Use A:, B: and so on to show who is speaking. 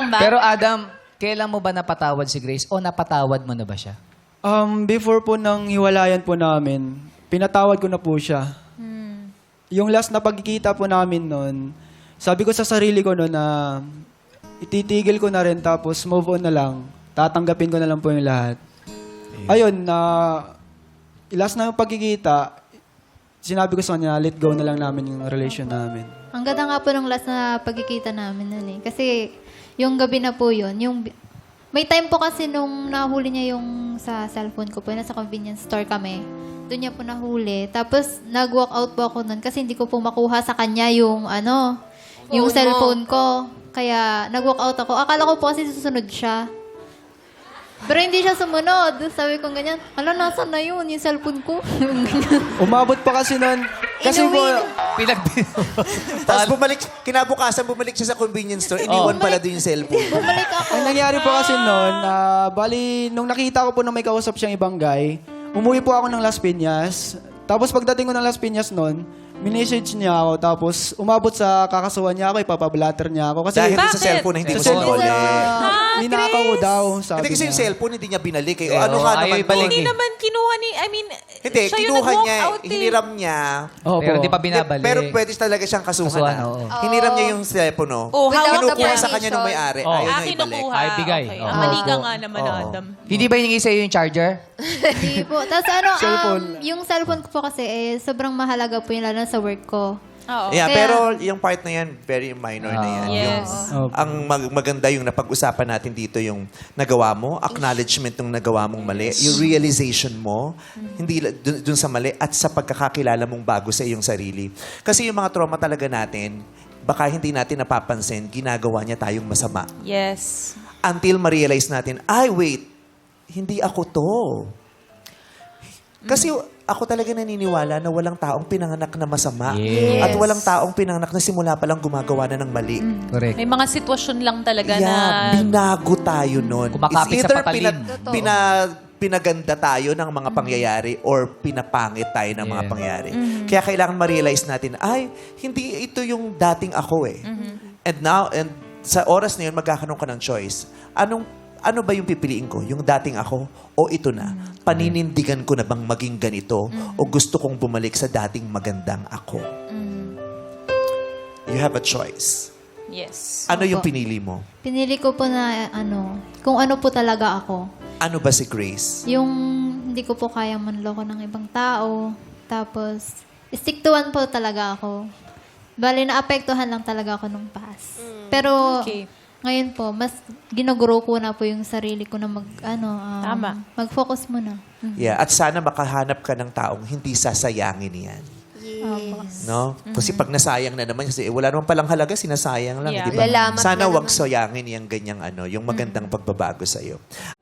A: ba?
B: Pero Adam, kailan mo ba napatawad si Grace o napatawad mo na ba siya?
C: Before po nang hiwalayan po namin, pinatawad ko na po siya. Yung last na pagkikita po namin noon, sabi ko sa sarili ko noon na ititigil ko na rin tapos move on na lang. Tatanggapin ko na lang po yung lahat. Ayun, last na yung pagkikita, sinabi ko sa kanya, let go na lang namin yung relation namin.
D: Ang ganda nga po nung last na pagkikita namin nun eh. Kasi yung gabi na po yun, may time po kasi nung nahuli niya yung sa cellphone ko po, nasa convenience store kami. Doon niya po nahuli. Tapos nag-walk out po ako nun kasi hindi ko po makuha sa kanya yung yung cellphone ko. Kaya nag-walk out ako. Akala ko po kasi susunod siya. Pero hindi siya sumunod. Sabi ko ganyan, nasaan na yun? Yung cellphone ko.
C: Umabot pa kasi noon, kasi po,
E: Tapos kinabukasan bumalik siya sa convenience store, iniwan pala doon yung cellphone.
D: Bumalik ako.
C: ang nangyari po kasi noon, bali, nung nakita ko po na may kausap siyang ibang guy, umuwi po ako ng Las Piñas. Tapos pagdating ko ng Las Piñas noon, minessage niya ako. Tapos umabot sa kakasuhan niya ako, ipapablatter niya ako. Kasi
E: Dahil
A: Bakit?
E: sa cellphone na hindi mo
C: Sa cellphone
E: sinulit.
C: ninakaw ko daw, sabi
E: Hindi kasi
C: niya.
E: yung cellphone hindi niya binalik. Eh.
B: Oo,
E: Ano ka
B: ayaw
E: naman
B: ibalik
E: doon?
A: Hindi naman kinuha ni,
E: Hindi,
A: siya yung
E: kinuha
A: nag-walk
E: niya,
A: out eh.
E: hiniram niya.
C: Opo.
B: Pero di pa binabalik.
E: Pero pwede talaga siyang kasuhan.
B: Kasuhan,
E: ah.
B: oo.
E: Hiniram niya yung cellphone, no?
A: Oh, hawak na
E: Kinukuha sa
A: permission.
E: kanya ng may-ari.
B: Oh.
E: Ayaw niya
A: Akin
E: ibalik.
A: nakuha.
B: Ay, bigay.
A: Okay.
B: Oo.
A: Mali ka
C: Opo.
A: nga naman,
E: Oo.
A: Adam.
B: Hindi ba hiningi sa'yo yung charger?
D: Hindi po. Tapos
C: Cellphone.
D: yung cellphone ko po kasi sobrang mahalaga po yun lalo na sa work ko.
A: Oo.
E: Yeah,
D: Kaya-
E: pero yung part na yan, very minor na yan.
A: Yes.
C: Opo.
E: Ang maganda yung napag-usapan natin dito yung nagawa mo, acknowledgement ng nagawa mong mali, yung realization mo, hindi dun sa mali at sa pagkakakilala mong bago sa iyong sarili. Kasi yung mga trauma talaga natin, baka hindi natin napapansin, ginagawa niya tayong masama.
A: Yes.
E: Until ma-realize natin, ay wait, hindi ako to. Kasi ako talaga naniniwala na walang taong pinanganak na masama.
B: Yes.
E: At walang taong pinanganak na simula pa lang gumagawa na ng mali.
B: Correct.
A: May mga sitwasyon lang talaga na...
E: Yeah, binago tayo nun.
B: Kumakapit
E: It's
B: sa
E: either
B: patalim.
E: pinaganda tayo ng mga pangyayari or pinapangit tayo ng mga
B: Yeah.
E: pangyayari. Kaya kailangan ma-realize natin, ay, hindi ito yung dating ako eh. And now, and sa oras na yun, magkakaroon ka ng choice. Ano ba yung pipiliin ko? Yung dating ako o ito na? Paninindigan ko na bang maging ganito o gusto kong bumalik sa dating magandang ako? You have a choice.
A: Yes.
E: Ano yung
D: Opo.
E: pinili mo?
D: Pinili ko po na kung ano po talaga ako.
E: Ano ba si Grace?
D: Yung hindi ko po kayang manloko ng ibang tao. Tapos, stick to one po talaga ako. Bali, naapektuhan lang talaga ako nung past. Pero,
A: Okay.
D: ngayon po, mas ginaguro ko na po yung sarili ko na
A: Tama.
D: mag-focus muna.
E: Yeah, at sana makahanap ka ng taong hindi sasayangin yan.
D: Opo.
E: No? Kasi pag nasayang na naman, kasi wala naman palang halaga, sinasayang lang,
A: Yeah.
E: di ba?
F: Lalamat
E: Sana
F: na
E: wag
F: naman.
E: sayangin yung ganyang yung magandang pagbabago sa'yo.